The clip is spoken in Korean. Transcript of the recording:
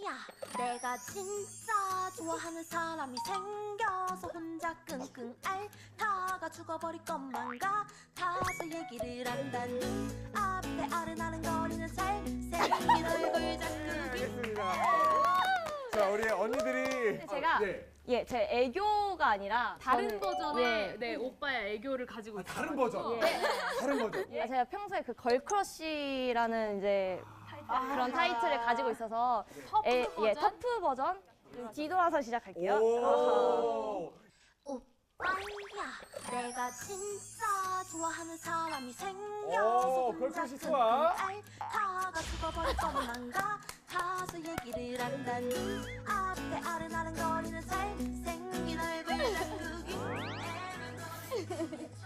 내가 진짜 좋아하는 사람이 생겨서 혼자 끙끙 앓다가 죽어버릴 것만 같아서 얘기를 한다니 앞에 아른아른거리는 잘생긴 얼굴 자꾸기. 알겠습니다. 자, 우리 언니들이 제가 네. 제 애교가 아니라 다른 저는, 버전의 네, 오빠의 애교를 가지고 있어요. 다른 버전. 예. 다른 버전. 제가 평소에 그 걸크러쉬라는 이제 그런 타이틀을 가지고 있어서 터프 버전? 터프 버전 뒤돌아서 시작할게요. 오. 오빠야 내가 진짜 좋아하는 사람이 생겨서 오, 혼자 걸크러쉬 끙끙 좋아. 앓다가 죽어버릴 것만 같아서 얘기를 한다니 앞에 아른아른거리는 잘생긴 얼굴 자꾸기.